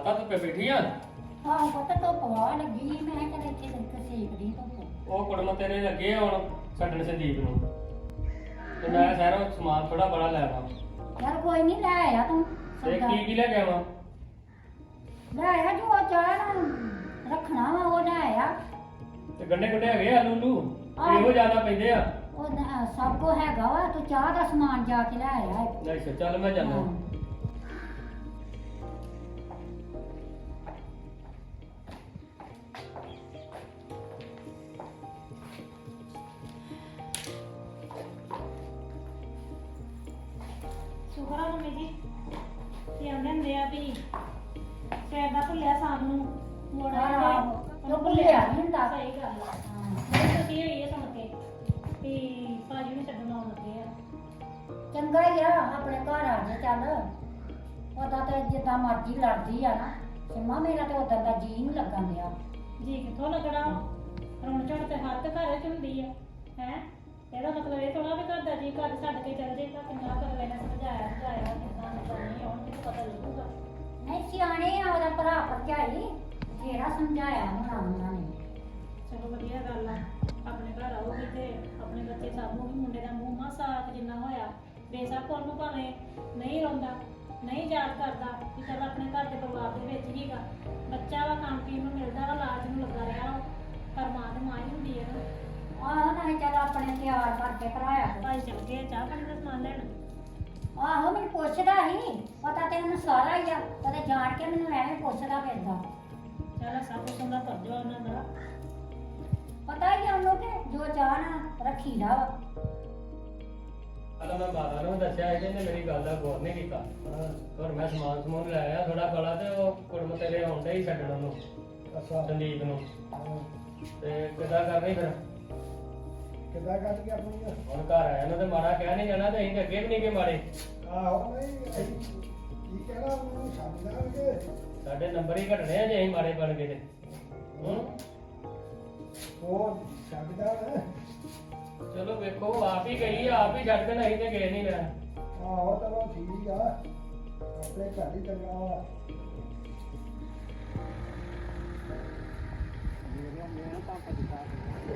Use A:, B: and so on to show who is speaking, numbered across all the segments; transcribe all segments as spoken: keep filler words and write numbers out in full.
A: ਮਾਤਾ ਧੁੱਪੇ ਬੈਠੀ ਆ?
B: ਆਹ ਪਤਾ ਧੁੱਪ ਵਾ ਲੱਗੀ ਸੀ, ਮੈਂ ਕਿਹਾ ਚੱਲ ਇੱਥੇ ਤੱਕ ਸੇਕਦੀ ਧੁੱਪ।
A: ਉਹ ਕੁੜਮ ਤੇਰੇ ਲੱਗੇ ਆ ਹੁਣ ਛੱਡਣ ਸੰਦੀਪ ਨੂੰ, ਤੇ ਮੈਂ ਸ਼ਹਿਰੋਂ ਸਮਾਨ ਥੋੜਾ ਬੜਾ ਲੈ ਆਵਾਂ।
B: ਯਾਰ ਕੋਈ ਨਹੀਂ ਲੈ ਆਇਆ ਤੂੰ
A: ਤੇ
B: ਸੌਦਾ।
A: ਕੀ ਕੀ ਲੈ ਕੇ ਆਵਾਂ?
B: ਲੈ ਆਇਆ ਜੋ ਚਾਹ ਨਾ ਰੱਖਣਾ ਵਾ ਉਹ ਲੈ ਆਇਆ।
A: ਤੇ ਗੰਡੇ ਗੁੰਡੇ ਹੈਗੇ ਆਲੂ ਲੂ
B: ਆਹ।
A: ਇਹੋ ਜ਼ਿਆਦਾ ਪੈਂਦੇ ਆ।
B: ਉਹ ਨਾ- ਸਭ ਕੋ ਹੈਗਾ ਵਾ, ਤੂੰ ਚਾਹ ਦਾ ਸਮਾਨ ਜਾ ਕੇ ਲੈ ਆਇਆ।
A: ਅੱਛਾ ਚੱਲ ਮੈਂ ਜਾਣਾ।
C: ਸ਼ੁਕਰ ਆ ਮੰਮੀ ਜੀ ਤੇ ਆਉਂਦੇ ਹੁੰਦੇ ਆ ਵੀ ਸਵੇਰ ਦਾ ਭੁੱਲਿਆ ਸ਼ਾਮ ਨੂੰ ਮੋੜ
B: ਆਹ,
C: ਆਇਆ
B: ਆਹੋ। ਉਹ ਭੁੱਲਿਆ ਨੀ ਹੁੰਦਾ।
C: ਸਹੀ ਗੱਲ ਆ।
B: ਹਾਂ।
C: ਮੈਨੂੰ ਖੁਸ਼ੀ ਹੋਈ ਹੈ ਸੁਣ ਕੇ ਵੀ ਭਾਜੀ ਨੂੰ ਛੱਡਣ ਆਉਣ ਲੱਗੇ ਆ।
B: ਚੰਗਾ ਹੀ ਆ ਆਪਣੇ ਘਰ ਆ ਜੇ ਚੱਲ। ਉਹਦਾ ਤੇ ਜਿੱਦਾਂ ਮਰਜ਼ੀ ਲੜਦੀ ਆ ਨਾ ਸਿੰਮਾ, ਮੇਰਾ ਤੇ ਉਦੋਂ ਦਾ ਜੀ ਨਹੀਂ ਲੱਗਣ ਡਿਆ।
C: ਜੀ ਕਿੱਥੋਂ ਲੱਗਣਾ ਰੋਣ ਝੜ ਤੇ ਹਰ ਤੇ ਘਰ ਚ ਹੁੰਦੀ ਆ ਹੈ। ਇਹਦਾ ਮਤਲਬ ਇਹ ਥੋੜਾ ਵੀ ਘਰ ਦਾ ਜੀ ਘਰ ਛੱਡ ਕੇ ਚੱਲ ਜਾਏਗਾ। ਕਿੰਨਾ ਕਰ ਲੈਣਾ ਸਮਝਾਇਆ ਸਮਝਾਇਆ ਕਿੰਨਾ ਕਰਨੀ ਹੁਣ ਕਿਤੇ ਪਤਾ ਲੱਗੂਗਾ।
B: ਨਹੀਂ ਸਿਆਣੇ ਆ ਉਹਦਾ ਭਰਾ ਭਰਜਾਈ, ਜਿਹੜਾ ਸਮਝਾਇਆ ਹੋਣਾ ਉਹਨਾਂ ਨੇ।
C: ਚਲੋ ਵਧੀਆ ਗੱਲ ਆ। ਆਪਣੇ ਘਰ ਆਉਗੀ ਤੇ ਆਪਣੇ ਬੱਚੇ ਸਾਂਭੂਗੀ। ਮੁੰਡੇ ਦਾ ਮੂੰਹ ਮਾਸਾ ਜਿੰਨਾ ਹੋਇਆ ਬੇਸ਼ੱਕ ਉਹਨੂੰ ਭਾਵੇਂ ਨਹੀਂ ਰੋਂਦਾ ਨਹੀਂ ਯਾਦ ਕਰਦਾ ਕਿ ਚੱਲ ਆਪਣੇ ਘਰ ਦੇ ਪਰਿਵਾਰ ਦੇ ਵਿੱਚ ਹੀਗਾ। ਬੱਚਾ ਵਾ ਖਾਣ ਪੀਣ ਨੂੰ ਮਿਲਦਾ ਵਾ ਲਾਜ ਨੂੰ ਲੱਗਾ ਰਿਹਾ ਵਾ, ਪਰ ਮਾਂ ਤੇ ਮਾਂ ਹੀ ਹੁੰਦੀ ਹੈ ਨਾ।
B: ਆਹੋ ਨਹੀਂ ਚੱਲ ਆਪਣੇ ਤਿਆਰ ਕਰਕੇ ਕਰਾਇਆ ਕਰੋ।
C: ਭਾਈ ਚੱਲ ਗਏ ਚਾਹ ਪਾਣੀ ਦਾ ਸਮਾਨ ਲੈਣ।
B: ਆਹੋ ਮੈਨੂੰ ਪੁੱਛਦਾ ਸੀ, ਪਤਾ ਤੇ ਉਹਨੂੰ ਸਾਰਾ ਹੀ ਆ, ਕਦੇ ਜਾਣ ਕੇ ਮੈਨੂੰ ਐਵੇਂ ਪੁੱਛਦਾ ਫਿਰਦਾ।
C: ਚੱਲ ਸਭ ਕੁਛ ਹੁੰਦਾ ਫਰਜ਼ ਵਾ ਉਹਨਾਂ ਦਾ।
B: ਪਤਾ ਹੀ ਆ ਉਹਨੂੰ ਕਿ ਜੋ ਚਾਹ ਨਾ ਰੱਖੀਦਾ ਵਾ।
A: ਪਹਿਲਾਂ ਮੈਂ ਬਾਰਾਂ ਨੂੰ ਦੱਸਿਆ ਸੀ, ਇਹਨੇ ਮੇਰੀ ਗੱਲ ਦਾ ਗੌਰ ਨਹੀਂ ਕੀਤਾ। ਹੋਰ ਮੈਂ ਸਮਾਨ ਸਮੂਨ ਲੈ ਆਇਆ ਥੋੜਾ ਬੜਾ, ਤੇ ਉਹ ਕੁੜਮ ਤੇਰੇ ਆਉਂਦੇ ਹੀ ਛੱਡਣ ਉਹਨੂੰ
D: ਅੱਛਾ
A: ਸੰਦੀਪ ਨੂੰ।
D: ਹਾਂ।
A: ਤੇ ਕਿੱਦਾਂ ਕਰਨੀ ਫਿਰ?
D: ਕਿੱਦਾਂ ਕੱਢ ਕੇ ਆਪਣੀ
A: ਹੁਣ ਘਰ ਆਇਆ ਨੂੰ ਤੇ ਮਾੜਾ ਕਹਿ ਨਹੀਂ ਜਾਣਾ, ਤੇ ਅਸੀਂ ਤੇ ਅੱਗੇ ਵੀ ਨਹੀਂ ਗਏ ਮਾੜੇ।
D: ਆਹੋ ਨਹੀਂ ਅਸੀਂ ਕੀ ਕਹਿਣਾ ਉਹਨੂੰ ਛੱਡ ਦਾਂਗੇ।
A: ਸਾਡੇ ਨੰਬਰ ਹੀ ਘਟਣੇ ਆ ਜੇ ਅਸੀਂ ਮਾੜੇ ਬਣ ਗਏ ਤੇ। ਹੂੰ
D: ਉਹ ਛੱਡ ਦਾਂਗੇ।
A: ਚਲੋ ਵੇਖੋ ਆਪ ਹੀ ਗਈ ਆ, ਆਪ ਹੀ ਛੱਡ ਦੇਣਾ, ਅਸੀਂ ਤੇ ਗਏ ਨਹੀਂ ਲੈਣ।
D: ਆਹੋ ਚਲੋ ਠੀਕ ਆ, ਆਪਣੇ ਘਰ ਹੀ ਚੰਗਾ ਵਾ। ਮੇਰਾ ਮੇਰਾ ਪਾਪਾ ਦੀ ਕਾਰ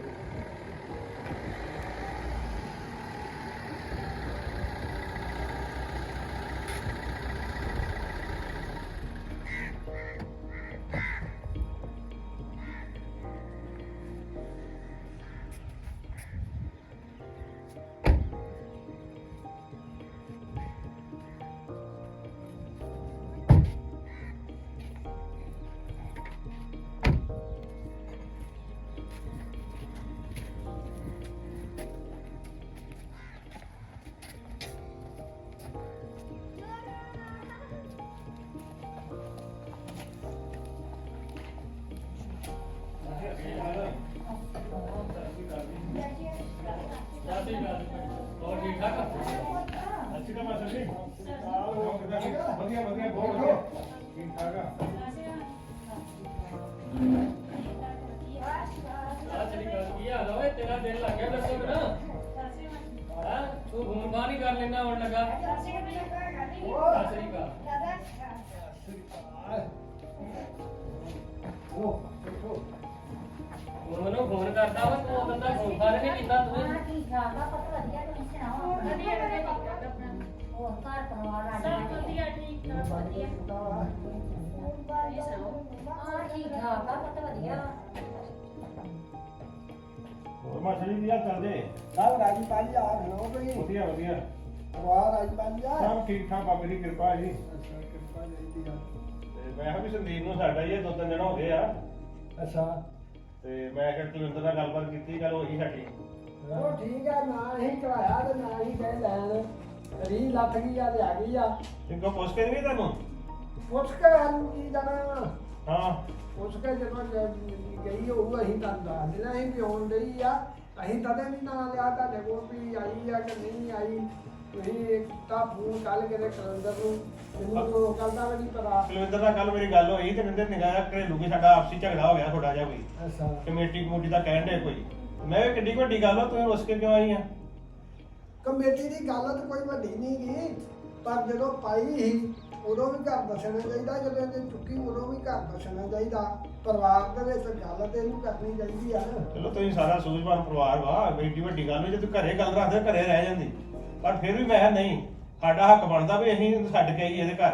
A: ਹੋਰ ਠੀਕ ਠਾਕ ਆ?
D: ਅੱਛੀ ਤਾਂ ਮਾਸਟਰ ਜੀ ਵਧੀਆ ਵਧੀਆ ਬਹੁਤ ਵਧੀਆ ਠੀਕ ਠਾਕ ਆ।
A: ਆ ਤੇਰੀ ਗੱਲ ਕੀ ਹਾਲ ਓਏ? ਤੇਰਾ ਦਿਨ ਲੱਗ ਗਿਆ ਦੱਸੋ ਨਾ। ਹਾਂ ਤੂੰ ਫੋਨ ਫਾਨ ਹੀ ਕਰ ਲੈਣਾ ਹੁਣ ਲੱਗਾ। ਸਤਿ ਸ੍ਰੀ ਅਕਾਲ।
D: ਉਹ ਦੇਖੋ
A: ਹੁਣ ਮੈਨੂੰ ਫੋਨ ਕਰਦਾ ਵਾ, ਤੂੰ ਬੰਦਾ ਫੋਨ ਫਾਨ ਨਹੀਂ ਕੀਤਾ ਤੂੰ।
B: ਹਾਂ ਠੀਕ ਠਾਕ ਆ, ਪਤਾ ਵਧੀਆ, ਤੁਸੀਂ ਸੁਣਾਓ ਆਪਣਾ?
C: ਵਧੀਆ ਵਧੀਆ ਠੀਕ ਠਾਕ ਆਪਣਾ।
B: ਹੋਰ ਘਰ ਪਰਿਵਾਰ ਆ
C: ਸਭ ਵਧੀਆ ਠੀਕ ਠਾਕ ਵਧੀਆ।
B: ਤੁਸੀਂ ਸੁਣਾਓ? ਹਾਂ ਠੀਕ ਠਾਕ ਆ, ਪਤਾ ਵਧੀਆ।
E: ਹੋਰ ਮਾਸਟਰ ਜੀ ਕੀ ਹਾਲ ਚਾਲ ਜੇ?
D: ਸਭ ਰਾਜੀ ਪਾਜੀ ਆ ਗਏ ਕੋਈ
E: ਵਧੀਆ ਵਧੀਆ
D: ਪਰਿਵਾਰ ਰਾਜੀ ਪਾਜੀ ਆ।
E: ਸਭ ਠੀਕ ਠਾਕ ਬਾਬੇ ਦੀ ਕਿਰਪਾ ਜੀ।
D: ਅੱਛਾ ਕਿਰਪਾ ਚਾਹੀਦੀ ਆ।
E: ਤੇ ਮੈਂ ਕਿਹਾ ਵੀ ਸੰਦੀਪ ਨੂੰ ਸਾਡਾ ਹੀ ਇਹ ਦੋ ਤਿੰਨ ਦਿਨ ਹੋ ਗਏ ਆ,
D: ਅੱਛਾ
E: ਤੇ ਮੈਂ ਕਿਹਾ ਕੁਲਵਿੰਦਰ ਨਾਲ ਗੱਲਬਾਤ ਕੀਤੀ, ਗੱਲ ਹੋਈ ਸਾਡੀ।
D: ਉਹ ਠੀਕ ਆ, ਨਾ ਹੀ ਕਰਾਇਆ ਤੇ ਨਾ ਹੀ ਕਹੇ ਲੈਣ ਰੀ ਲੱਥ ਗਈ ਆ ਤੇ ਆ ਗਈ ਆ।
E: ਕਿੰਕੋ ਪੁੱਛ ਕੇ ਨਹੀਂ ਤੁਹਾਨੂੰ?
D: ਪੁੱਛ ਕੇ ਸਾਨੂੰ ਕੀ ਜਾਣਾ,
E: ਹਾਂ
D: ਪੁੱਛ ਕੇ ਜਦੋਂ ਜ- ਗਈ ਹੋਊ ਅਸੀਂ ਤੁਹਾਨੂੰ ਦੱਸ ਦੇਣਾ ਅਸੀਂ ਵੀ ਆਉਣ ਡਈ ਆ। ਅਸੀਂ ਤਦੇ ਨਹੀਂ ਨਾਂ ਲਿਆ ਤੁਹਾਡੇ ਕੋਲ ਵੀ ਆਈ ਆ ਕਿ ਨਹੀਂ ਆਈ। ਤੁਸੀਂ ਤਾਂ ਫੋਨ ਕੱਲ ਕਿਤੇ ਕਲੰਦਰ ਨੂੰ, ਮੈਨੂੰ ਉਹ ਗੱਲ ਦਾ ਵੀ ਨਹੀਂ ਪਤਾ।
E: ਕੁਲਵਿੰਦਰ ਨਾਲ ਕੱਲ ਮੇਰੀ ਗੱਲ ਹੋਈ ਤੇ ਕਹਿੰਦੇ ਨਿਗਾਹ ਜਿਹਾ ਘਰੇਲੂ ਕੇ ਸਾਡਾ ਆਪਸੀ ਝਗੜਾ ਹੋ ਗਿਆ ਥੋੜਾ ਜਿਹਾ ਕੋਈ,
D: ਅੱਛਾ
E: ਕਮੇਟੀ ਕਮੂਟੀ ਦਾ ਕਹਿਣ ਦੇ ਕੋਈ। ਮੈਂ ਕਿਹਾ ਕਿੱਡੀ ਕੁ ਵੱਡੀ ਗੱਲ ਆ, ਤੂੰ ਰੁੱਸ ਕੇ ਕਿਉਂ ਆਈ ਆ?
D: ਕਮੇਟੀ ਦੀ ਗੱਲ ਤਾਂ ਕੋਈ ਵੱਡੀ ਨਹੀਂ ਗਈ, ਪਰ ਜਦੋਂ ਪਾਈ ਸੀ ਉਦੋਂ ਵੀ ਘਰ ਦੱਸਣਾ ਚਾਹੀਦਾ, ਜਦੋਂ ਇਹਨੇ ਚੁੱਕੀ ਉਦੋਂ ਵੀ ਘਰ ਦੱਸਣਾ ਚਾਹੀਦਾ। ਪਰਿਵਾਰ ਦੇ ਵਿੱਚ ਗੱਲ ਤੇ ਇਹਨੂੰ ਕਰਨੀ ਚਾਹੀਦੀ ਆ ਨਾ।
E: ਚਲੋ ਤੁਸੀਂ ਸਾਰਾ ਸੂਝਵਾਨ ਪਰਿਵਾਰ ਵਾ, ਬੇਟੀ ਵੱਡੀ ਗੱਲ ਵੀ ਜੇ ਤੂੰ ਘਰੇ ਗੱਲ ਰੱਖਦੇ ਘਰੇ ਰਹਿ ਜਾਂਦੀ, ਪਰ ਫਿਰ ਵੀ ਮੈਂ ਕਿਹਾ ਨਹੀਂ, ਸਾਡਾ ਹੱਕ ਬਣਦਾ ਵੀ ਅਸੀਂ ਇਹਨੂੰ ਛੱਡ ਕੇ ਆਈਏ ਇਹਦੇ ਘਰ।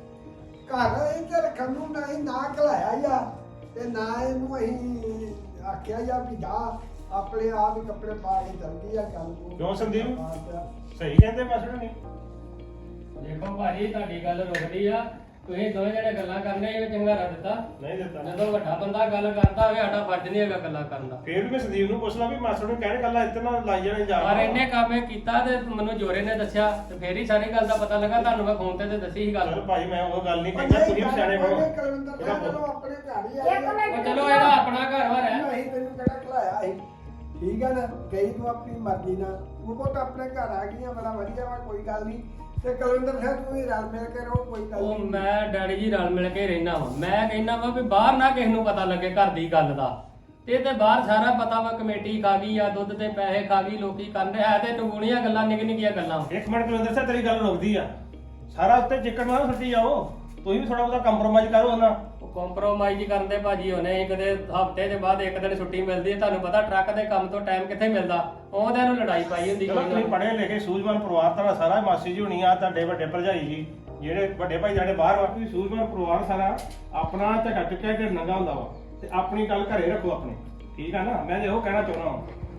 D: ਘਰ ਇੱਥੇ ਰੱਖਣ ਨੂੰ ਨਾ ਹੀ ਨਾ ਘਲਾਇਆ ਹੀ ਆ ਤੇ ਨਾ ਇਹਨੂੰ ਅਸੀਂ ਆਖਿਆ ਹੀ ਆ ਵੀ ਜਾ ਆਪਣੇ ਆਪ ਹੀ ਕੱਪੜੇ ਪਾ ਕੇ ਚਲਦੀ ਆ ਗੱਲ ਨੂੰ।
E: ਕਿਉਂ ਸੰਦੀਪ?
D: ਹਾਂ ਤੇ
E: ਸਹੀ ਕਹਿੰਦੇ ਮਾਸੜ ਨਹੀਂ?
A: ਦੇਖੋ ਭਾਜੀ ਤੁਹਾਡੀ ਗੱਲ ਰੁਕਦੀ ਆ, ਤੁਸੀਂ ਦੋਵੇਂ ਜਿਹੜੇ ਗੱਲਾਂ ਕਰਨੇ ਇਹ ਚੰਗਾ ਰਹਿ ਦਿੱਤਾ।
E: ਨਹੀਂ ਦਿੱਤਾ।
A: ਜਦੋਂ ਵੱਡਾ ਬੰਦਾ ਗੱਲ ਕਰਦਾ ਹੋਵੇ ਸਾਡਾ ਫਰਜ਼ ਨਹੀਂ ਹੈਗਾ ਗੱਲਾਂ ਕਰਨ ਦਾ।
E: ਫਿਰ ਵੀ ਮੈਂ ਸੰਦੀਪ ਨੂੰ ਪੁੱਛ ਲਾ ਵੀ ਮਾਸੜ ਨੂੰ ਕਹਿਣ ਗੱਲਾਂ ਇੱਥੇ ਨਾ ਲਾਈ ਜਾਣੇ ਜਾ।
A: ਪਰ ਇਹਨੇ ਕੰਮ ਇਹ ਕੀਤਾ ਤੇ ਮੈਨੂੰ ਜੋਰੇ ਨੇ ਦੱਸਿਆ ਤੇ ਫੇਰ ਹੀ ਸਾਰੀ ਗੱਲ ਦਾ ਪਤਾ ਲੱਗਾ। ਤੁਹਾਨੂੰ ਮੈਂ ਫੋਨ ਤੇ ਤੇ ਦੱਸੀ ਸੀ ਗੱਲ।
E: ਚਲੋ ਭਾਈ ਮੈਂ ਉਹ ਗੱਲ ਨਹੀਂ ਕਹਿੰਦਾ, ਤੁਸੀਂ ਵੀ ਸਿਆਣੇ ਬਣੋ।
D: ਕਲਵਿੰਦਰ ਸਾਹਿਬ ਚਲੋ ਆਪਣੇ ਘਰ ਹੀ ਆ
B: ਇੱਕ ਮਿੰਟ
A: ਉਹ ਚਲੋ ਇਹਦਾ ਆਪਣਾ ਘਰ ਵਾ ਰਹਿ।
D: ਅਸੀਂ ਤੈਨੂੰ ਕਿਹੜਾ ਖਲਾਇਆ ਸੀ, ਠੀਕ ਹੈ ਨਾ। ਗਈ ਤੂੰ ਆਪਣੀ ਮਰਜ਼ੀ ਨਾਲ, ਉਹ ਕੋਲ ਤਾਂ ਆਪਣੇ ਘਰ ਆ ਗਈਆਂ, ਬੜਾ ਵਧੀਆ ਵਾ, ਕੋਈ ਗੱਲ ਨਹੀਂ। ਤੇ ਕੁਲਵਿੰਦਰ ਸਾਹਿਬ ਤੂੰ ਵੀ ਰਲ ਮਿਲ ਕੇ ਰਹੋ, ਕੋਈ ਗੱਲ
A: ਉਹ
D: ਨਹੀਂ।
A: ਮੈਂ ਡੈਡੀ ਜੀ ਰਲ ਮਿਲ ਕੇ ਰਹਿਣਾ ਵਾ। ਮੈਂ ਕਹਿੰਦਾ ਵਾ ਵੀ ਬਾਹਰ ਨਾ ਕਿਸੇ ਨੂੰ ਪਤਾ ਲੱਗੇ ਘਰ ਦੀ ਗੱਲ ਦਾ। ਤੇ ਤੇ ਬਾਹਰ ਸਾਰਾ ਪਤਾ ਵਾ, ਕਮੇਟੀ ਖਾ ਗਈ ਆ, ਦੁੱਧ ਤੇ ਪੈਸੇ ਖਾ ਗਈ, ਲੋਕੀ ਕਰਨ ਰਿਹਾ ਤੇ ਟਗੂਣੀਆਂ ਗੱਲਾਂ, ਨਿੱਕ ਨਿੱਕੀਆਂ ਗੱਲਾਂ।
E: ਇੱਕ ਮਿੰਟ ਕੁਲਵਿੰਦਰ ਸਾਹਿਬ ਤੇਰੀ ਗੱਲ ਰੁਕਦੀ ਆ, ਸਾਰਾ ਉੱਤੇ ਚਿੱਕੜ ਨਾ ਸੱਟੀ ਜਾਓ, ਤੁਸੀਂ ਵੀ ਥੋੜਾ ਬਹੁਤਾ ਕੰਪਰੋਮਾਈਜ਼ ਕਰੋ ਉਹਨਾਂ।
A: ਉਹ ਕੰਪਰੋਮਾਈਜ਼ ਕਰਨ ਦੇ ਭਾਜੀ ਹੋਣੇ ਸੀ, ਕਦੇ ਹਫਤੇ ਦੇ ਬਾਅਦ ਇੱਕ ਦਿਨ ਛੁੱਟੀ ਮਿਲਦੀ ਹੈ। ਤੁਹਾਨੂੰ ਪਤਾ ਟਰੱਕ ਦੇ ਕੰਮ ਤੋਂ ਟਾਈਮ ਕਿੱਥੇ ਮਿਲਦਾ, ਉਹਦੇ ਨੂੰ ਲੜਾਈ ਪਾਈ ਹੁੰਦੀ
E: ਚਲੋ ਤੁਸੀਂ ਪੜ੍ਹੇ ਲਿਖੇ ਸੂਝਵਾਨ ਪਰਿਵਾਰ ਤੁਹਾਡਾ ਸਾਰਾ, ਮਾਸੀ ਜੀ ਹੋਣੀ ਆ, ਤੁਹਾਡੇ ਵੱਡੇ ਭਰਜਾਈ ਜੀ, ਜਿਹੜੇ ਵੱਡੇ ਭਾਈ ਸਾਡੇ ਬਾਹਰ ਵਾ, ਤੁਸੀਂ ਸੂਝਵਾਨ ਪਰਿਵਾਰ ਸਾਰਾ ਆਪਣਾ ਝਟਾ ਚੁੱਕਿਆ ਕਿ ਨੰਗਾ ਹੁੰਦਾ ਵਾ, ਤੇ ਆਪਣੀ ਗੱਲ ਘਰੇ ਰੱਖੋ ਆਪਣੇ, ਠੀਕ ਆ ਨਾ। ਮੈਂ ਜੇ ਉਹ ਕਹਿਣਾ ਚਾਹੁੰਦਾ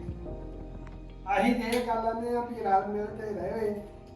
E: ਹਾਂ।
D: ਅਸੀਂ ਤੇ ਇਹ ਗੱਲ ਆਨੇ ਆ ਵੀ ਰਲ ਮਿਲ ਕੇ ਰਹੇ।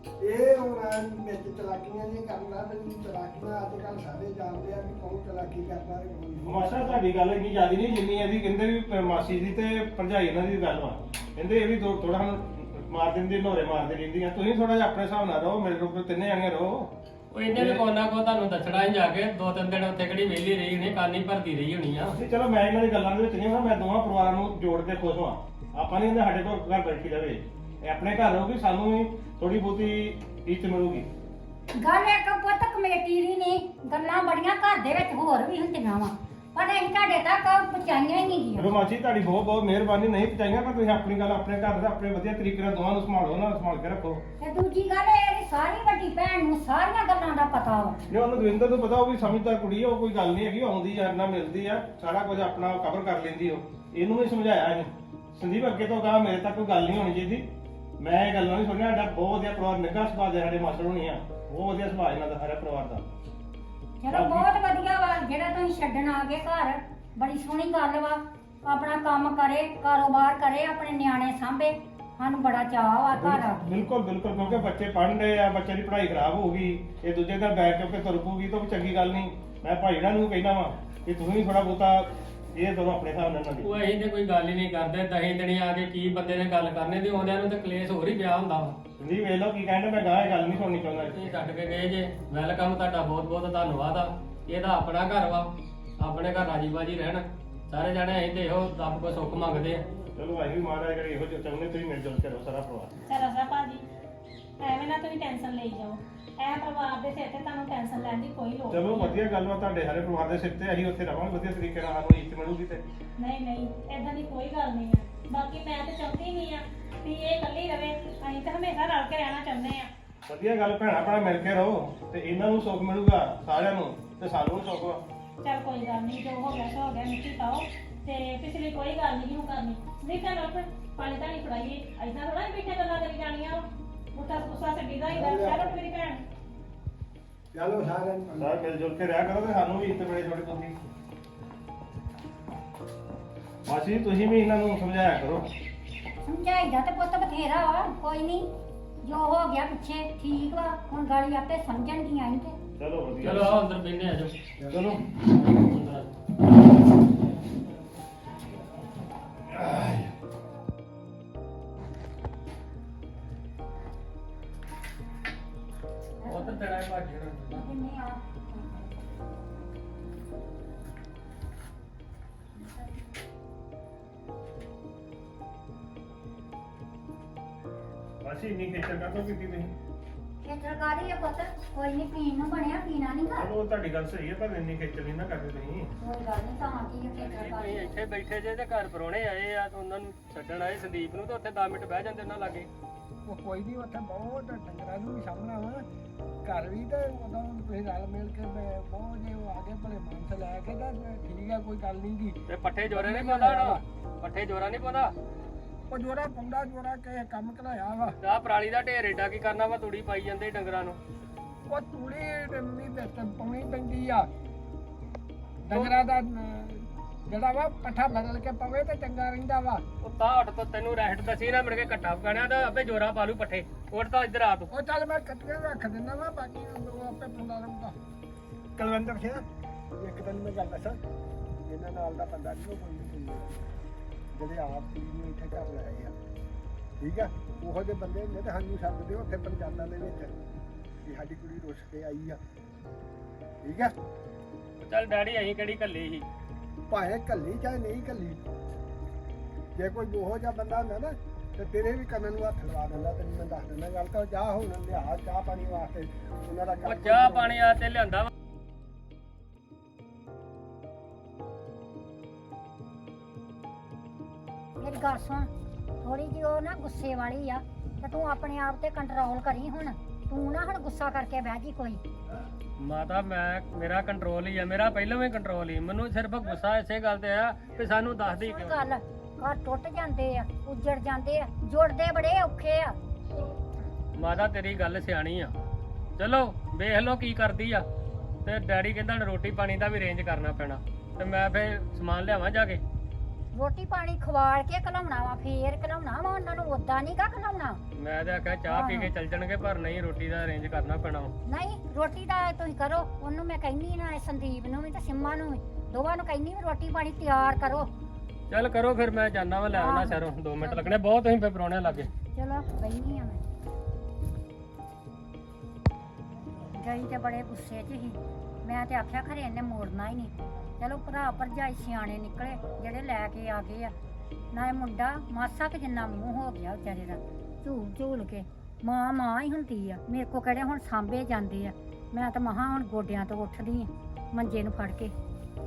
D: ਇਹ ਹੁਣ ਵਿੱਚ ਚਲਾਕੀਆਂ ਨਹੀਂ ਕਰਨਾ, ਵੀ ਚਲਾਕੀਆਂ ਅੱਜ ਕੱਲ੍ਹ ਸਾਰੇ ਜਾਣਦੇ ਆ ਵੀ ਕੌਣ ਚਲਾਕੀ ਕਰਦਾ ਤੇ ਕੌਣ ਨਹੀਂ।
E: ਮਾਸਾ ਤੁਹਾਡੀ ਗੱਲ ਇੰਨੀ ਜ਼ਿਆਦਾ ਨਹੀਂ ਜਿੰਨੀ ਇਹਦੀ ਕਹਿੰਦੇ ਵੀ ਮਾਸੀ ਦੀ ਤੇ ਭਰਜਾਈ ਇਹਨਾਂ ਦੀ ਗੱਲ ਵਾ। ਕਹਿੰਦੇ ਇਹ ਵੀ ਥੋੜਾ ਹੁਣ ਮਾਰ ਦਿੰਦੀ, ਨੋਰੇ ਮਾਰਦੇ ਰਹਿੰਦੀਆਂ। ਤੁਸੀਂ ਥੋੜਾ ਜਿਹਾ ਆਪਣੇ ਹਿਸਾਬ ਨਾਲ ਰਹੋ, ਮੇਰੇ ਕੋਲ ਤਿੰਨੇ ਜਾਣੇ ਰਹੋ।
A: ਉਹ ਇਹਨੇ ਵੀ ਕੋਨਾ ਕੋ ਤੁਹਾਨੂੰ ਦੱਸਣਾ ਹੀ ਜਾ ਕੇ। ਦੋ ਤਿੰਨ ਦਿਨ ਉੱਥੇ ਕਿਹੜੀ ਵਿਹਲੀ ਰਹੀ ਹੋਣੀ, ਕਾਨੀ ਭਰਦੀ ਰਹੀ ਹੋਣੀ ਆ।
E: ਨਹੀਂ ਚਲੋ ਮੈਂ ਇਹਨਾਂ ਦੀ ਗੱਲਾਂ ਦੇ ਵਿੱਚ ਨਹੀਂ ਹਾਂ, ਮੈਂ ਦੋਵਾਂ ਪਰਿਵਾਰਾਂ ਨੂੰ ਜੋੜ ਕੇ ਖੁਸ਼ ਹਾਂ। ਆਪਾਂ ਨਹੀਂ ਕਹਿੰਦੇ ਸਾਡੇ ਕੋਲ ਘਰ ਬੈਠੀ ਰਵੇ, ਇਹ ਆਪਣੇ ਘਰ ਰਹੂਗੀ, ਸਾਨੂੰ ਵੀ ਥੋੜੀ ਬਹੁਤੀ ਇੱਜ਼ਤ ਮਿਲੂਗੀ।
B: ਗੱਲ ਇੱਕ ਪੁੱਤ ਕਮੇਟੀ ਦੀ ਨਹੀਂ, ਗੱਲਾਂ ਬੜੀਆਂ ਘਰ ਦੇ ਵਿੱਚ ਹੋਰ ਵੀ ਹੁੰਦੀਆਂ ਵਾ, ਪਰ ਅਸੀਂ ਤੁਹਾਡੇ ਤੱਕ ਪਹੁੰਚਾਈਆਂ ਹੀ ਨਹੀਂ
E: ਚਲੋ
B: ਗਈਆਂ।
E: ਮਾਸੀ ਤੁਹਾਡੀ ਬਹੁਤ ਬਹੁਤ ਮਿਹਰਬਾਨੀ, ਨਹੀਂ ਪਹੁੰਚਾਈਆਂ, ਪਰ ਤੁਸੀਂ ਆਪਣੀ ਗੱਲ ਆਪਣੇ ਘਰ ਦਾ ਆਪਣੇ ਵਧੀਆ ਤਰੀਕੇ ਨਾਲ ਦੋਵਾਂ ਨੂੰ ਸੰਭਾਲੋ, ਉਹਨਾਂ ਨੂੰ ਸੰਭਾਲ ਕੇ ਰੱਖੋ।
B: ਤੇ ਦੂਜੀ ਗੱਲ ਇਹ ਹੈ ਕਿ ਸਾਰੀ ਵੱਡੀ ਭੈਣ ਨੂੰ ਸਾਰੀਆਂ ਗੱਲਾਂ ਦਾ ਪਤਾ ਵਾ।
E: ਜੇ ਉਹਨੂੰ ਦਵਿੰਦਰ ਨੂੰ ਪਤਾ, ਉਹ ਵੀ ਸਮਝਦਾਰ ਕੁੜੀ ਆ, ਉਹ ਕੋਈ ਗੱਲ ਨਹੀਂ ਹੈਗੀ, ਉਹ ਆਉਂਦੀ ਆ ਨਾਲ ਮਿਲਦੀ ਆ, ਸਾਰਾ ਕੁਝ ਆਪਣਾ ਕਵਰ ਕਰ ਲੈਂਦੀ। ਉਹ ਇਹਨੂੰ ਵੀ ਸਮਝਾਇਆ ਇਹਨੇ, ਸੰਦੀਪ ਅੱਗੇ ਤੋਂ ਕਹਾ ਮੇਰੇ ਤੱਕ ਕੋਈ ਗੱਲ ਨਹੀਂ ਹੋਣੀ ਚਾਹੀਦੀ। ਮੈਂ ਇਹ ਗੱਲਾਂ ਨਹੀਂ ਸੁਣਿਆ, ਸਾਡਾ ਬਹੁਤ ਵਧੀਆ ਪਰਿਵਾਰ, ਨਿੱਘਾ ਸੁਭਾਅ ਦੇ ਸਾਡੇ ਮਾਸਟਰ ਹੋਣੀ ਆ, ਬਹੁਤ ਵਧੀਆ ਸੁਭਾਅ ਇਹਨਾਂ ਦਾ ਸਾਰੇ ਪਰਿਵਾਰ ਦਾ।
B: ਚਲੋ ਬਹੁਤ ਵਧੀਆ ਵਾ ਜਿਹੜਾ ਤੁਸੀਂ ਛੱਡਣ ਆ ਗਏ ਘਰ, ਬੜੀ ਸੋਹਣੀ ਗੱਲ ਵਾ। ਆਪਣਾ ਕੰਮ ਕਰੇ, ਕਾਰੋਬਾਰ ਕਰੇ, ਆਪਣੇ ਨਿਆਣੇ ਸਾਂਭੇ, ਸਾਨੂੰ ਬੜਾ ਚਾਅ ਵਾ ਘਰ ਆ ਕੇ।
E: ਬਿਲਕੁਲ ਬਿਲਕੁਲ, ਕਿਉਂਕਿ ਬੱਚੇ ਪੜ੍ਹਨ ਰਹੇ ਆ, ਬੱਚੇ ਦੀ ਪੜ੍ਹਾਈ ਖਰਾਬ ਹੋ ਗਈ, ਇਹ ਦੂਜੇ ਦਾ ਬੈਗ ਚੁੱਕ ਕੇ ਤੁਰ ਪਊਗੀ ਤਾਂ ਉਹ ਚੰਗੀ ਗੱਲ ਨਹੀਂ। ਮੈਂ ਭਾਈੜਾਂ ਨੂੰ ਕਹਿਣਾ ਵਾ ਕਿ ਤੁਸੀਂ ਥੋੜਾ ਬਹੁਤਾ ਇਹ ਦੋਨੋਂ ਆਪਣੇ ਹਿਸਾਬ ਨਾਲ ਇਹਨਾਂ
A: ਉਹ ਅਸੀਂ ਤੇ ਕੋਈ ਗੱਲ ਹੀ ਨਹੀਂ ਕਰਦੇ। ਦਹੀਂ ਦਿਨੀ ਆ ਕੇ ਕੀ ਬੰਦੇ ਨੇ ਗੱਲ ਕਰਨੇ ਦੀ, ਆਉਂਦਿਆਂ ਨੂੰ ਤੇ ਕਲੇਸ਼ ਹੋਰ ਹੀ ਪਿਆ ਹੁੰਦਾ ਵਾ।
E: ਦੀ ਵੇਖ ਲਓ ਕੀ ਕਹਿੰਦੇ, ਮੈਂ ਗਾਹ ਇਹ ਗੱਲ ਨਹੀਂ ਸੁਣਨੀ ਚਾਹੁੰਦਾ।
A: ਤੁਸੀਂ ਛੱਡ ਕੇ ਗਏ ਜੇ, ਵੈਲਕਮ, ਤੁਹਾਡਾ ਬਹੁਤ ਬਹੁਤ ਧੰਨਵਾਦ ਆ। ਇਹਦਾ ਆਪਣਾ ਘਰ ਵਾ, ਆਪਣੇ ਘਰ ਰਾਜੀ ਬਾਜੀ ਰਹਿਣ ਸਾਰੇ ਜਾਣੇ। ਅਸੀਂ ਤੇ ਇਹੋ ਰੱਬ ਕੋ ਸੁੱਖ ਮੰਗਦੇ ਆ।
E: ਚਲੋ ਅਸੀਂ ਵੀ ਮਹਾਰਾਜ ਜਿਹੜੇ ਇਹੋ ਜਿਹੇ ਚਾਹੁੰਦੇ, ਤੁਸੀਂ ਮਿਲ ਜੁਲ ਕੇ ਰਹੋ ਸਾਰਾ ਪਰਿਵਾਰ।
C: ਚਲੋ ਸਾ ਭਾਜੀ, ਐਵੇਂ ਨਾ ਤੁਸੀਂ ਟੈਨਸ਼ਨ ਲਈ ਜਾਓ। ਇਹ ਪਰਿਵਾਰ ਦੇ ਸਿਰ ਤੇ ਤੁਹਾਨੂੰ ਟੈਨਸ਼ਨ ਲੈਣ ਦੀ ਕੋਈ ਲੋੜ
E: ਚਲੋ
C: ਨਹੀਂ ਹੈ।
E: ਵਧੀਆ ਗੱਲ ਵਾ, ਤੁਹਾਡੇ ਸਾਰੇ ਪਰਿਵਾਰ ਦੇ ਸਿਰ ਤੇ ਅਸੀਂ ਉੱਥੇ ਰਵਾਂਗੇ ਵਧੀਆ ਤਰੀਕੇ ਨਾਲ, ਸਾਨੂੰ ਇੱਜ਼ਤ ਮਿਲੂਗੀ। ਤੇ
C: ਨਹੀਂ ਨਹੀਂ, ਏਦਾਂ ਦੀ ਕੋਈ ਗੱਲ ਨਹੀਂ ਹੈ। ਬਾਕੀ ਮੈਂ ਤੇ ਚਾਹੁੰਦੀ ਨਹੀਂ ਆ ਵੀ ਇਹ ਇਕੱਲੀ ਰਵੇ, ਅਸੀਂ ਤਾਂ ਹਮੇਸ਼ਾ ਰਲ ਕੇ ਰਹਿਣਾ ਚਾਹੁੰਦੇ ਆ।
E: ਵਧੀਆ ਗੱਲ, ਭੈਣਾ ਭੈਣਾ ਮਿਲ ਕੇ ਰਹੋ, ਤੇ ਇਹਨਾਂ ਨੂੰ ਸੁੱਖ ਮਿਲੂਗਾ ਸਾਰਿਆਂ ਨੂੰ, ਤੇ ਸਾਨੂੰ ਵੀ ਸੁੱਖ ਵਾ।
C: ਚੱਲ ਕੋਈ ਗੱਲ ਨਹੀਂ, ਜੋ ਹੋ ਗਿਆ ਸੋ ਹੋ ਗਿਆ, ਮਿੱਟੀ ਪਾਓ ਤੇ ਪਿਛਲੀ ਕੋਈ ਗੱਲ ਨਹੀਂ ਹੁਣ ਕਰਨੀ। ਨਹੀਂ ਤਾਂ ਲੋਕ ਪਾਣੀ ਤਾਂ ਨਹੀਂ ਫੜਾਈਏ, ਐਦਾਂ ਥੋੜਾ ਬੈਠੇ ਗੱਲਾਂ ਕਰੀ ਜਾਣੀਆਂ। ਮੁੱਠਾ ਗੁੱਸਾ ਛੱਡੀਦਾ ਹੀ ਗੱਲ ਚਲੋ ਮੇਰੀ ਭੈਣ।
D: ਚਲੋ ਸਾਰਿਆਂ ਨੂੰ
E: ਸਾਰੇ ਮਿਲ ਜੁਲ ਕੇ ਰਿਹਾ ਕਰੋ, ਤੇ ਸਾਨੂੰ ਵੀ ਇੱਜ਼ਤ ਮਿਲੇ ਥੋੜੀ ਬਹੁਤੀ। ਮਾਸੀ ਤੁਸੀਂ ਵੀ ਇਹਨਾਂ ਨੂੰ ਸਮਝਾਇਆ ਕਰੋ।
B: ਸਮਝਾਈਦਾ ਤੇ ਪੁੱਤ ਬਥੇਰਾ ਵਾ, ਕੋਈ ਨਹੀਂ, ਜੋ ਹੋ ਗਿਆ ਪਿੱਛੇ ਠੀਕ ਵਾ, ਹੁਣ ਗਾਲੀ ਆਪੇ ਸਮਝਣਗੀਆਂ ਹੀ ਤੇ।
E: ਚਲੋ ਵਧੀਆ,
A: ਚਲੋ ਆਓ ਅੰਦਰ ਬੈਠੇ ਆ ਜਾਓ।
E: ਚਲੋ
A: ਉਧਰ ਤੇਰਾ ਭਾਜੀ ਹੋਣਾ।
B: ਕਿੰਨੇ ਆ
E: ਮਾਸੀ ਇੰਨੀ ਖੇਚਲ ਕਾਹਤੋਂ ਕੀਤੀ ਤੁਸੀਂ?
B: ਖੇਤਰਕਾਰੀ ਆ ਪੁੱਤ, ਕੋਈ ਨਹੀਂ, ਪੀਣ ਨੂੰ ਬਣਿਆ, ਪੀਣਾ ਨਹੀਂ ਗਾ।
E: ਚਲੋ ਤੁਹਾਡੀ ਗੱਲ ਸਹੀ ਹੈ, ਪਰ ਇੰਨੀ ਖੇਚਲ ਨਹੀਂ ਨਾ ਕਰਦੇ ਤੁਸੀਂ।
B: ਕੋਈ ਗੱਲ ਨਹੀਂ, ਤਾਂ ਕੀ ਖੇਤਰਕਾਰੀ।
A: ਇੱਥੇ ਬੈਠੇ ਜੇ ਤੇ ਘਰ ਪਰੋਣੇ ਆਏ ਆ ਤੇ ਉਹਨਾਂ ਨੂੰ ਛੱਡਣ ਆਏ ਸੰਦੀਪ ਨੂੰ ਤੇ ਉੱਥੇ ਦਸ ਮਿੰਟ ਬਹਿ ਜਾਂਦੇ ਉਹਨਾਂ ਲਾਗੇ।
D: ਉਹ ਕੋਈ ਨਹੀਂ, ਉੱਥੇ ਬਹੁਤ ਡੰਗਰਾਂ ਨੂੰ ਵੀ ਸਾਹਮਣਾ ਵਾ ਘਰ ਵੀ, ਤੇ ਉਦੋਂ ਤੁਸੀਂ ਰਲ ਮਿਲ ਕੇ ਮੈਂ ਬਹੁਤ ਜੇ ਉਹ ਆ ਗਏ ਭਲੇ ਮਾਨਸ ਲੈ ਕੇ ਤਾਂ ਠੀਕ ਆ, ਕੋਈ ਗੱਲ ਨਹੀਂ ਗੀ।
A: ਤੇ ਪੱਠੇ ਜੋਰੇ ਨਹੀਂ ਪਾਉਂਦਾ ਹਣਾ, ਪੱਠੇ ਜੋਰਾ ਨਹੀਂ ਪਾਉਂਦਾ।
D: ਉਹ ਜੋਰਾ ਪੰਡਾ ਜੋਰਾ ਕੇ ਕੰਮ ਘਲਾਇਆ ਵਾ।
A: ਆਹ ਪਰਾਲੀ ਦਾ ਢੇਰ ਏਡਾ ਕੀ ਕਰਨਾ ਵਾ, ਤੂੜੀ ਪਾਈ ਜਾਂਦੇ ਡੰਗਰਾਂ ਨੂੰ।
D: ਉਹ ਤੂੜੀ ਨਹੀਂ ਤੇ ਪਾਉਣੀ ਪੈਂਦੀ ਆ ਡੰਗਰਾਂ ਦਾ, ਅਹ, ਜਿਹੜਾ ਵਾ ਪੱਠਾ ਬਦਲ ਕੇ ਪਵੇ ਤੇ ਚੰਗਾ ਰਹਿੰਦਾ ਵਾ।
A: ਉਹ ਤਾਂ ਹਟ ਤੋਂ ਤੈਨੂੰ ਰਹਿਟ ਦਸੀ ਨਾ, ਮਿਲ ਕੇ ਘੱਟਾ ਪਕਾਣਿਆ ਤਾਂ ਆਪੇ ਜੋਰਾ ਪਾ ਲੂ ਪੱਠੇ। ਉੱਠ ਤਾਂ ਇੱਧਰ ਆ ਤੂੰ।
D: ਉਹ ਚੱਲ ਮੈਂ ਕੱਟੀਆਂ ਰੱਖ ਦਿੰਦਾ ਵਾ, ਬਾਕੀ ਉਹ ਆਪੇ ਪਾਉਂਦਾ ਰਹੂਗਾ। ਕੁਲਵਿੰਦਰ ਸਿੰਘ, ਇੱਕ ਦਿਨ ਮੈਂ ਗੱਲ ਦੱਸਾਂ, ਇਹਨਾਂ ਨਾਲ ਦਾ ਬੰਦਾ ਨਹੀਂ ਉਹ ਕੋਈ ਨਹੀਂ, ਜਿਹੜੇ ਆਪ ਕੁੜੀ ਨੂੰ ਇੱਥੇ ਘਰ ਲਾਏ ਆ, ਠੀਕ ਆ। ਉਹੋ ਜਿਹੇ ਬੰਦੇ ਹੁੰਦੇ ਤੇ ਸਾਨੂੰ ਸੱਦਦੇ ਉੱਥੇ ਪੰਚਾਇਤਾਂ ਦੇ ਵਿੱਚ ਕਿ ਸਾਡੀ ਕੁੜੀ ਰੁੱਸ ਕੇ ਆਈ ਆ, ਠੀਕ ਆ।
A: ਚੱਲ ਡੈਡੀ ਅਸੀਂ ਕਿਹੜੀ ਕੱਲੀ ਸੀ।
D: ਭਾਵੇਂ ਕੱਲੀ ਚਾਹੇ ਨਹੀਂ ਕੱਲੀ, ਜੇ ਕੋਈ ਉਹੋ ਜਿਹਾ ਬੰਦਾ ਹੁੰਦਾ ਨਾ ਤੇ ਤੇਰੇ ਵੀ ਕੰਨ ਨੂੰ ਹੱਥ ਲਵਾ ਦਿੰਦਾ। ਤੈਨੂੰ ਮੈਂ ਦੱਸ ਦਿੰਦਾ ਗੱਲ, ਤਾਂ ਜਾ ਹੁਣ ਲਿਆ ਚਾਹ ਪਾਣੀ ਵਾਸਤੇ ਉਹਨਾਂ ਦਾ
A: ਉਹ
D: ਕੰਮ।
A: ਚਾਹ ਪਾਣੀ ਆ ਤੇ ਲਿਆਂਦਾ ਵਾ।
B: ਮੇਰੀ ਗੱਲ ਸੁਣ, ਥੋੜੀ ਜਿਹੀ ਉਹ ਨਾ ਗੁੱਸੇ ਵਾਲੀ ਆ, ਤੇ ਤੂੰ ਆਪਣੇ ਆਪ ਤੇ ਕੰਟਰੋਲ ਕਰੀ ਹੁਣ। ਤੂੰ ਨਾ ਹੁਣ ਗੁੱਸਾ ਕਰਕੇ ਬਹਿ ਜੀ ਕੋਈ।
A: ਮਾਤਾ ਮੈਂ ਮੇਰਾ ਕੰਟਰੋਲ ਹੀ ਆ, ਮੇਰਾ ਪਹਿਲਾਂ ਵੀ ਕੰਟਰੋਲ ਹੀ। ਮੈਨੂੰ ਸਿਰਫ ਗੁੱਸਾ ਇਸੇ ਗੱਲ ਤੇ ਆ ਕਿ ਸਾਨੂੰ ਦੱਸਦੀ
B: ਹੁਣ
A: ਕਿਉਂ।
B: ਗੱਲ, ਘਰ ਟੁੱਟ ਜਾਂਦੇ ਆ, ਉੱਜੜ ਜਾਂਦੇ ਆ, ਜੁੜਦੇ ਬੜੇ ਔਖੇ ਆ।
A: ਮਾਤਾ ਤੇਰੀ ਗੱਲ ਸਿਆਣੀ ਆ। ਚਲੋ ਵੇਖ ਲਓ ਕੀ ਕਰਦੀ ਆ। ਤੇ ਡੈਡੀ ਕਹਿੰਦਾ ਹੁਣ ਰੋਟੀ ਪਾਣੀ ਦਾ ਵੀ ਅਰੇਂਜ ਕਰਨਾ ਪੈਣਾ, ਤੇ ਮੈਂ ਫੇਰ ਸਮਾਨ ਲਿਆਵਾਂ ਜਾ ਕੇ।
B: ਰੋਟੀ ਪਾਣੀ ਖਵਾਲ ਕੇ ਘਲਾਉਣਾ ਵਾ, ਫੇਰ ਘਲਾਉਣਾ ਵਾ ਉਹਨਾਂ ਨੂੰ, ਉਦਾਂ ਨਹੀਂ ਗਾ ਘਲਾਉਣਾ।
A: ਮੈਂ ਤਾਂ ਆਖਿਆ ਚਾਹ ਪੀ ਕੇ ਚੱਲ ਜਾਣਗੇ, ਪਰ ਨਹੀਂ, ਰੋਟੀ ਦਾ ਅਰੇਂਜ ਕਰਨਾ ਪੈਣਾ।
B: ਨਹੀਂ, ਰੋਟੀ ਦਾ ਤੁਸੀਂ ਕਰੋ। ਉਹਨੂੰ ਮੈਂ ਕਹਿੰਦੀ ਨਾ, ਸੰਦੀਪ ਨੂੰ ਵੀ ਤੇ ਸਿੰਮਾ ਨੂੰ ਵੀ, ਦੋਵਾਂ ਨੂੰ ਕਹਿੰਦੀ ਵੀ ਰੋਟੀ ਪਾਣੀ ਤਿਆਰ ਕਰੋ।
A: ਚੱਲ ਕਰੋ ਫਿਰ, ਮੈਂ ਜਾਣਾ ਵਾ ਲੈ ਆਉਣਾ ਸ਼ਹਿਰੋਂ। ਦੋ ਮਿੰਟ ਲੱਗਣੇ ਬਹੁਤ, ਤੁਸੀਂ ਫੇਰ ਪਰੌਣੇ ਲੱਗੇ।
B: ਚਲੋ ਬੈਠੀ ਆ ਮੈਂ। ਗਈ ਤੇ ਬੜੇ ਗੁੱਸੇ 'ਚ ਸੀ। ਮੈਂ ਤੇ ਆਖਿਆ ਖਰੇ ਇਹਨੇ ਮੋੜਨਾ ਹੀ ਨਹੀਂ। ਚਲੋ ਭਰਾ ਭਰਜਾਈ ਸਿਆਣੇ ਨਿਕਲੇ ਜਿਹੜੇ ਲੈ ਕੇ ਆ ਗਏ ਆ। ਨਾ ਇਹ ਮੁੰਡਾ ਮਾਸਾ ਕੁ ਜਿੰਨਾ ਮੂੰਹ ਹੋ ਗਿਆ ਵਿਚਾਰੇ ਦਾ, ਝੂਲ ਝੂਲ ਕੇ। ਮਾਂ ਮਾਂ ਹੀ ਹੁੰਦੀ ਆ, ਮੇਰੇ ਕੋ ਕਿਹੜੇ ਹੁਣ ਸਾਂਭੇ ਜਾਂਦੇ ਆ। ਮੈਂ ਤਾਂ ਮਹਾਂ ਹੁਣ ਗੋਡਿਆਂ ਤੋਂ ਉੱਠਦੀ ਆ ਮੰਜੇ ਨੂੰ ਫੜ ਕੇ।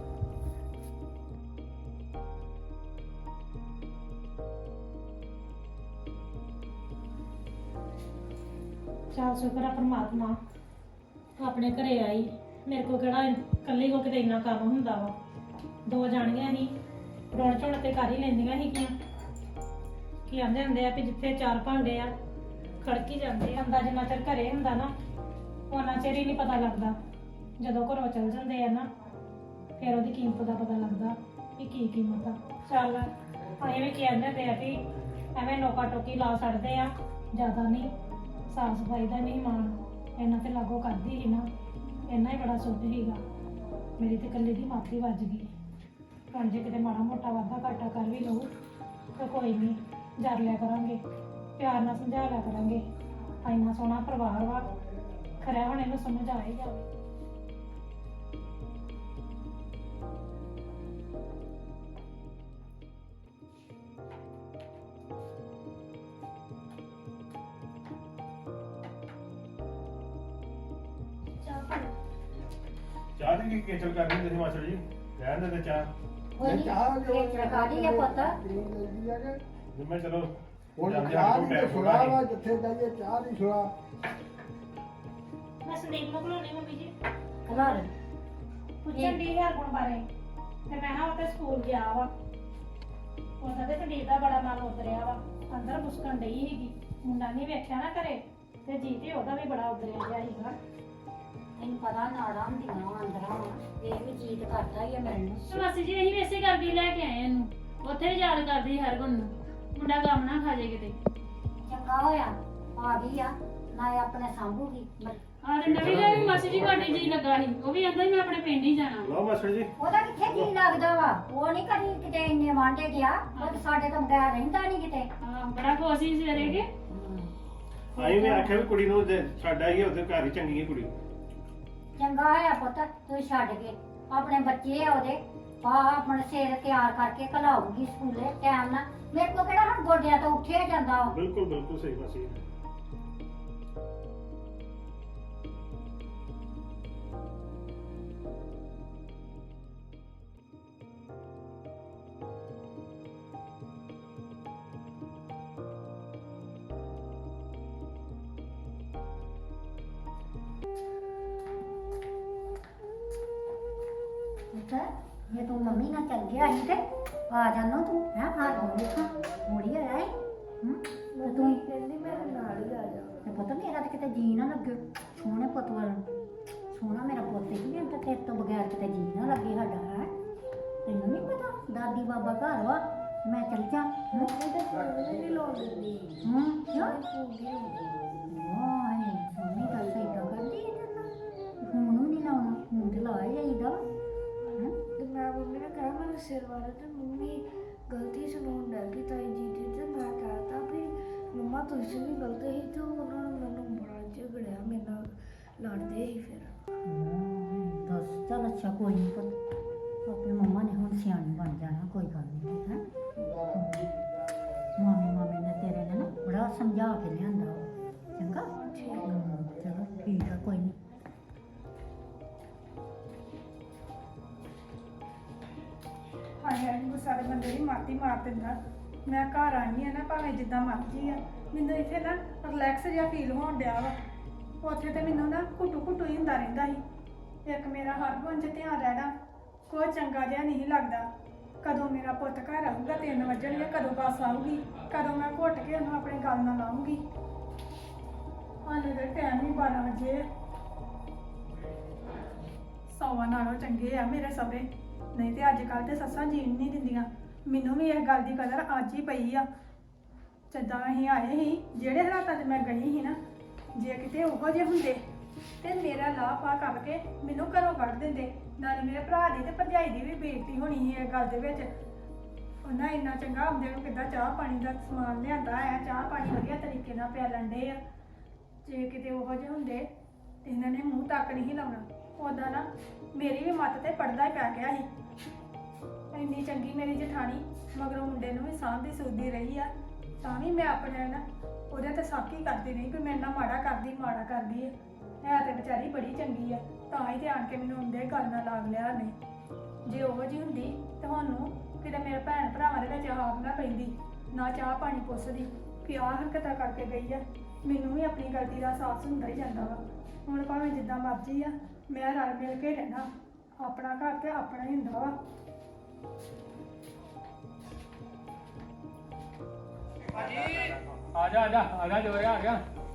C: ਚੱਲ ਸ਼ੁਕਰ ਆ ਪਰਮਾਤਮਾ, ਆਪਣੇ ਘਰੇ ਆਈ। ਮੇਰੇ ਕੋਲ ਕਿਹੜਾ ਇਕੱਲੀ ਕੋ ਕਿਤੇ ਇੰਨਾ ਕੰਮ ਹੁੰਦਾ ਵਾ। ਦੋ ਜਾਣੀਆਂ ਸੀ, ਰੋਣ ਝੋਣ ਤੇ ਕਰ ਹੀ ਲੈਂਦੀਆਂ ਸੀਗੀਆਂ। ਕੀ ਆਂਦੇ ਹੁੰਦੇ ਆ ਵੀ ਜਿੱਥੇ ਚਾਰ ਭਾਂਡੇ ਆ ਖੜਕੀ ਜਾਂਦੇ ਆ। ਹੁੰਦਾ ਜਿੰਨਾ ਚਿਰ ਘਰੇ ਹੁੰਦਾ ਨਾ, ਉਹਨਾਂ ਚਿਰ ਹੀ ਨਹੀਂ ਪਤਾ ਲੱਗਦਾ। ਜਦੋਂ ਘਰੋਂ ਚਲ ਜਾਂਦੇ ਆ ਨਾ, ਫਿਰ ਉਹਦੀ ਕੀਮਤ ਦਾ ਪਤਾ ਲੱਗਦਾ ਵੀ ਕੀ ਕੀਮਤ ਆ। ਚੱਲ ਅਸੀਂ ਵੀ ਕੀ ਆਂਦੇ ਹੁੰਦੇ ਆ ਵੀ ਐਵੇਂ ਨੋਕਾ ਟੋਕੀ ਲਾ ਛੱਡਦੇ ਆ, ਜ਼ਿਆਦਾ ਨਹੀਂ। ਸਾਫ ਸਫਾਈ ਦਾ ਨਹੀਂ ਮਾਣ ਇਹਨਾਂ ਤੇ ਲਾਗੋ ਕਰਦੀ ਸੀ ਨਾ, ਇੰਨਾ ਹੀ ਬੜਾ ਸੁੱਧ ਸੀਗਾ। ਮੇਰੀ ਤੇ ਇਕੱਲੇ ਦੀ ਮਾਥੀ ਵੱਜ ਗਈ। ਹੁਣ ਜੇ ਕਿਤੇ ਮਾੜਾ ਮੋਟਾ ਵਾਧਾ ਘਾਟਾ ਕਰ ਵੀ ਲਊ ਤਾਂ ਕੋਈ ਨਹੀਂ, ਜਰ ਲਿਆ ਕਰਾਂਗੇ, ਪਿਆਰ ਨਾਲ ਸਮਝਾ ਲਿਆ ਕਰਾਂਗੇ। ਇੰਨਾ ਸੋਹਣਾ ਪਰਿਵਾਰ ਵਾ, ਖਰਿਆ ਹੁਣ ਇਹਨੂੰ ਸਮਝ ਆ ਹੀ ਜਾਵੇ।
E: ਚਾਹ ਦੀ ਕੀ ਕੇਚਲ ਕਰਨੀ ਤੁਸੀਂ ਮਾਸਟਰ ਜੀ? ਰਹਿਣ ਦੇ ਤੇ ਚਾਹ।
B: ਕੋਈ ਨੀ,
D: ਚਾਹ ਜੋ
B: ਇਹ ਚੜਕਾੜੀ ਆ ਪੁੱਤ।
D: ਪੀਣ ਲੈਂਦੀ ਆ ਕਿ
E: ਜਿੰਮੇ ਚਲੋ
D: ਹੁਣ
E: ਜਾਂਦੇ
D: ਚਾਹ
E: ਆ
D: ਦੀ
E: ਟਾਈਮ
D: ਸੁਣਾ
E: ਥੋੜਾ
D: ਵਾ, ਜਿੱਥੇ ਜਾਈਏ ਚਾਹ ਦੀ ਸੁਣਾ।
C: ਮੈਂ ਸੰਦੀਪ ਨੂੰ ਬੁਲਾਉਣੀ ਮੰਮੀ ਜੀ,
B: ਘਰ
C: ਪੁੱਛਣ ਦੀ ਹਰਗੁਣ ਬਾਰੇ। ਤੇ ਮੈਂ ਹਾਂ ਉਹ ਤੇ ਸਕੂਲ ਗਿਆ ਵਾ। ਉਹਦਾ ਤੇ ਸੰਦੀਪ ਦਾ ਬੜਾ ਮਨ ਉਤਰਿਆ ਵਾ, ਅੰਦਰ ਮੁਸਕਣ ਡਈ ਸੀਗੀ। ਮੁੰਡਾ ਨਹੀਂ ਵੇਖਿਆ ਨਾ ਘਰੇ, ਤੇ ਜੀ ਤੇ ਉਹਦਾ ਵੀ ਬੜਾ ਉਤਰਿਆ ਗਿਆ ਸੀਗਾ।
B: ਤੈਨੂੰ ਪਤਾ ਨਾੜਾਂ ਹੁੰਦੀਆਂ ਵਾ ਅੰਦਰਾਂ ਵਾ, ਇਹ ਵੀ ਜੀਤ ਕਰਦਾ ਹੀ ਆ ਮੈਨੂੰ।
F: ਤੇ ਮਾਸੀ ਜੀ ਅਸੀਂ ਵੀ ਇਸੇ ਕਰਕੇ ਲੈ ਕੇ ਆਏ ਇਹਨੂੰ। ਉੱਥੇ ਵੀ ਯਾਦ ਕਰਦੀ ਹਰ ਗੁਣ ਨੂੰ, ਮੁੰਡਾ ਕੰਮ ਨਾ ਖਾ ਜੇ ਕਿਤੇ।
B: ਚੰਗਾ ਹੋਇਆ ਆ ਗਈ ਆ, ਨਾ ਇਹ ਆਪਣੇ ਸਾਂਭੂਗੀ।
F: ਆਹ ਤੇ ਨਵੀਂ ਦਾ ਵੀ ਮਾਸੀ ਜੀ ਘਾਟੀ ਜੀ ਲੱਗਾ ਸੀ, ਉਹ ਵੀ ਕਹਿੰਦਾ ਮੈਂ ਆਪਣੇ ਪਿੰਡ ਹੀ ਜਾਣਾ।
E: ਲਓ ਮਾਸਟਰ ਜੀ।
B: ਉਹਦਾ ਕਿੱਥੇ ਜੀ ਲੱਗਦਾ ਵਾ, ਉਹ ਨਹੀਂ ਕਦੀ ਕਿਤੇ ਇੰਨੇ ਵਾਂਡੇ ਗਿਆ। ਉਹ ਤਾਂ ਸਾਡੇ ਤੋਂ ਬਗੈਰ ਰਹਿੰਦਾ ਨਹੀਂ ਕਿਤੇ।
F: ਹਾਂ ਬੜਾ ਖੁਸ਼ ਸੀ ਸਵੇਰੇ ਕੇ।
E: ਅਸੀਂ ਵੀ ਆਖਿਆ ਵੀ ਕੁੜੀ ਨੂੰ ਦੇ- ਸਾਡਾ ਹੀ ਉਹਦੇ ਘਰ ਹੀ ਚੰਗੀ ਹੈ ਕੁੜੀ।
B: ਚੰਗਾ ਹੋਇਆ ਪੁੱਤ ਤੂੰ ਛੱਡ ਕੇ, ਆਪਣੇ ਬੱਚੇ ਆ ਉਹਦੇ, ਆ ਆਪਣੇ ਸਿਰ ਤਿਆਰ ਕਰਕੇ ਘਲਾਉਗੀ ਸਕੂਲੇ ਟਾਈਮ ਨਾਲ। ਮੇਰੇ ਕੋਲ ਕਿਹੜਾ ਹੁਣ ਗੋਡਿਆਂ ਤੋਂ ਉੱਠਿਆ ਜਾਂਦਾ ਵਾ।
E: ਬਿਲਕੁਲ ਬਿਲਕੁਲ ਸਹੀ ਮਾਸੀ।
B: ਪੁੱਤ ਜੇ ਤੂੰ ਮੰਮੀ ਨਾਲ ਚੱਲ ਗਿਆ ਸੀ ਤੇ ਆ ਜਾਣਾ ਤੂੰ ਹੈ ਹਾਰ ਹੋ ਲਿਖਾ ਹੋੜੀ ਹੋਇਆ ਹੈ ਹੂੰ ਤੇ ਤੂੰ
G: ਕਹਿੰਦੀ ਮੇਰੇ ਨਾਲ ਹੀ ਆ ਜਾ
B: ਤੇ ਪੁੱਤ ਮੇਰਾ ਤੇ ਕਿਤੇ ਜੀ ਨਾ ਲੱਗੇ ਸੋਹਣੇ ਪੁੱਤ ਵੱਲ ਸੋਹਣਾ ਮੇਰਾ ਪੁੱਤ ਹੀ ਵੀ ਤੇ ਤੇਰੇ ਤੋਂ ਬਗੈਰ ਕਿਤੇ ਜੀ ਨਾ ਲੱਗੇ ਸਾਡਾ ਹੈ ਤੈਨੂੰ ਨਹੀਂ ਪਤਾ ਦਾਦੀ ਬਾਬਾ ਘਰ ਵਾ ਮੈਂ ਚੱਲ ਜਾ ਹੂੰ
G: ਇਹ ਤਾਂ ਫੋਨ ਨਹੀਂ ਲਾਉਣ ਦਿੰਦੀ
B: ਹੂੰ ਕਿਉਂ
G: ਫੋਨ ਨਹੀਂ ਲਾਉਂਦੀ
B: ਵਾਹ ਸੋਹਣੀ ਗੱਲ ਸਹੀ ਤਾਂ ਕਰਦੀ ਹੈ ਤੈਨੂੰ ਹੁਣ ਨੂੰ ਨਹੀਂ ਲਾਉਣਾ ਹੁਣ ਤੇ ਲਾ ਹੀ ਜਾਈਦਾ ਹੈਂ
G: ਤੇ ਮੈਂ ਮੰਮੀ ਨੇ ਕਿਹਾ ਮੈਨੂੰ ਸਿਰ ਵਾਲਾ ਤੇ ਮੰਮੀ ਗਲਤੀ ਸੁਣਾਉਣ ਲੱਗ ਗਈ ਤਾਈ ਜੀ ਦੀ ਤੇ ਮੈਂ ਕਹਤਾ ਵੀ ਮੰਮਾ ਤੁਸੀਂ ਵੀ ਗਲਤ ਸੀ ਤੇ ਉਹਨਾਂ ਨੇ ਮੈਨੂੰ ਬੜਾ ਝਗੜਿਆ ਮੇਰੇ ਨਾਲ ਲੜਦੇ ਸੀ ਫਿਰ
B: ਹਮ, ਦੱਸ ਚੱਲ ਅੱਛਾ ਕੋਈ ਨਹੀਂ ਪੁੱਤ ਆਪੇ ਮੰਮਾ ਨੇ ਹੁਣ ਸਿਆਣੀ ਬਣ ਜਾਣਾ ਕੋਈ ਗੱਲ ਨਹੀਂ ਹੈ ਮਾਮੀ ਮਾਮੀ ਨੇ ਤੇਰੇ ਨੇ ਨਾ ਬੜਾ ਸਮਝਾ ਕੇ ਲਿਆਂਦਾ ਵਾ। ਚੰਗਾ ਹਮ, ਚਲੋ ਠੀਕ ਆ ਕੋਈ ਨਹੀਂ
H: ਹਾਏ ਹਾਏ ਮੈਨੂੰ ਸਾਰੇ ਬੰਦੇ ਦੀ ਮਾਤੀ ਮਾਰ ਦਿੰਦਾ ਮੈਂ ਘਰ ਆਈ ਆ ਨਾ ਭਾਵੇਂ ਜਿੱਦਾਂ ਮਰਜ਼ੀ ਆ ਮੈਨੂੰ ਇੱਥੇ ਨਾ ਰਿਲੈਕਸ ਜਿਹਾ ਫੀਲ ਹੋਣ ਡਿਆ ਵਾ ਉੱਥੇ ਤੇ ਮੈਨੂੰ ਨਾ ਘੁੱਟੂ ਘੁੱਟੂ ਹੀ ਹੁੰਦਾ ਰਹਿੰਦਾ ਸੀ ਇੱਕ ਮੇਰਾ ਹਰ ਗੁਣ 'ਚ ਧਿਆਨ ਰਹਿਣਾ ਕੋਈ ਚੰਗਾ ਜਿਹਾ ਨਹੀਂ ਲੱਗਦਾ ਕਦੋਂ ਮੇਰਾ ਪੁੱਤ ਘਰ ਆਊਗਾ ਤਿੰਨ ਵਜਣਗੇ ਕਦੋਂ ਬੱਸ ਆਊਗੀ ਕਦੋਂ ਮੈਂ ਘੁੱਟ ਕੇ ਉਹਨੂੰ ਆਪਣੇ ਗੱਲ ਨਾਲ ਲਾਉਂਗੀ ਹਾਲੇ ਦੇ ਟਾਈਮ ਹੀ ਬਾਰਾਂ ਵਜੇ ਆ। ਸੌਵਾਂ ਨਾਲੋਂ ਚੰਗੇ ਆ ਮੇਰੇ ਸਹੁਰੇ ਨਹੀਂ ਤੇ ਅੱਜ ਕੱਲ੍ਹ ਤੇ ਸੱਸਾਂ ਜੀਣ ਨਹੀਂ ਦਿੰਦੀਆਂ ਮੈਨੂੰ ਵੀ ਇਸ ਗੱਲ ਦੀ ਕਦਰ ਅੱਜ ਹੀ ਪਈ ਆ ਜਿੱਦਾਂ ਅਸੀਂ ਆਏ ਸੀ ਜਿਹੜੇ ਹਾਲਾਤਾਂ 'ਚ ਮੈਂ ਗਈ ਸੀ ਨਾ ਜੇ ਕਿਤੇ ਉਹੋ ਜਿਹੇ ਹੁੰਦੇ ਤੇ ਮੇਰਾ ਲਾਹ ਪਾ ਕਰਕੇ ਮੈਨੂੰ ਘਰੋਂ ਕੱਢ ਦਿੰਦੇ ਨਾਲੇ ਮੇਰੇ ਭਰਾ ਦੀ ਤੇ ਭਰਜਾਈ ਦੀ ਵੀ ਬੇਇੱਜ਼ਤੀ ਹੋਣੀ ਸੀ ਇਸ ਗੱਲ ਦੇ ਵਿੱਚ ਉਹਨਾਂ ਇੰਨਾ ਚੰਗਾ ਆਉਂਦੇ ਨੂੰ ਕਿੱਦਾਂ ਚਾਹ ਪਾਣੀ ਦਾ ਸਮਾਨ ਲਿਆਂਦਾ ਹੈ ਚਾਹ ਪਾਣੀ ਵਧੀਆ ਤਰੀਕੇ ਨਾਲ ਪਿਆਲਣ ਡੇ ਆ ਜੇ ਕਿਤੇ ਉਹੋ ਜਿਹੇ ਹੁੰਦੇ ਤੇ ਇਹਨਾਂ ਨੇ ਮੂੰਹ ਤੱਕ ਨਹੀਂ ਲਾਉਣਾ ਉਦਾਂ ਨਾ ਮੇਰੀ ਵੀ ਮੱਤ ਤੇ ਪੜਦਾ ਹੀ ਪੈ ਗਿਆ ਸੀ ਇੰਨੀ ਚੰਗੀ ਮੇਰੀ ਜਠਾਣੀ ਮਗਰੋਂ ਮੁੰਡੇ ਨੂੰ ਵੀ ਸਾਂਭਦੀ ਸੁਧਦੀ ਰਹੀ ਆ ਤਾਂ ਵੀ ਮੈਂ ਆਪਣੇ ਨਾ ਉਹਦੇ ਤੇ ਸਾਕੀ ਕਰਦੀ ਰਹੀ ਕਿ ਮੇਰੇ ਨਾਲ ਮਾੜਾ ਕਰਦੀ ਮਾੜਾ ਕਰਦੀ ਹੈ ਹੈ ਤੇ ਵਿਚਾਰੀ ਬੜੀ ਚੰਗੀ ਆ ਤਾਂ ਹੀ ਤੇ ਆਣ ਕੇ ਮੈਨੂੰ ਹੁੰਦੇ ਗੱਲ ਨਾਲ ਲਾਗ ਲਿਆ ਨੇ ਜੇ ਉਹੋ ਜਿਹੀ ਹੁੰਦੀ ਤੁਹਾਨੂੰ ਕਿਤੇ ਮੇਰੇ ਭੈਣ ਭਰਾਵਾਂ ਦੇ ਵਿੱਚ ਹਾਕ ਨਾ ਪੈਂਦੀ ਨਾ ਚਾਹ ਪਾਣੀ ਪੁੱਛਦੀ ਕਿ ਆਹ ਹਰਕਤਾਂ ਕਰਕੇ ਗਈ ਆ ਮੈਨੂੰ ਵੀ ਆਪਣੀ ਗਲਤੀ ਦਾ ਅਹਿਸਾਸ ਹੁੰਦਾ ਹੀ ਜਾਂਦਾ ਵਾ ਹੁਣ ਭਾਵੇਂ ਜਿੱਦਾਂ ਮਰਜ਼ੀ ਆ ਮੈਂ ਰਲ ਮਿਲ ਕੇ ਰਹਿਣਾ ਆਪਣਾ ਘਰ ਤੇ ਆਪਣਾ ਹੀ ਹੁੰਦਾ ਵਾ
A: ਆ ਜਾ ਆ ਜਾ ਆ ਜਾ ਜੋਰਿਆ ਆ ਗਿਆ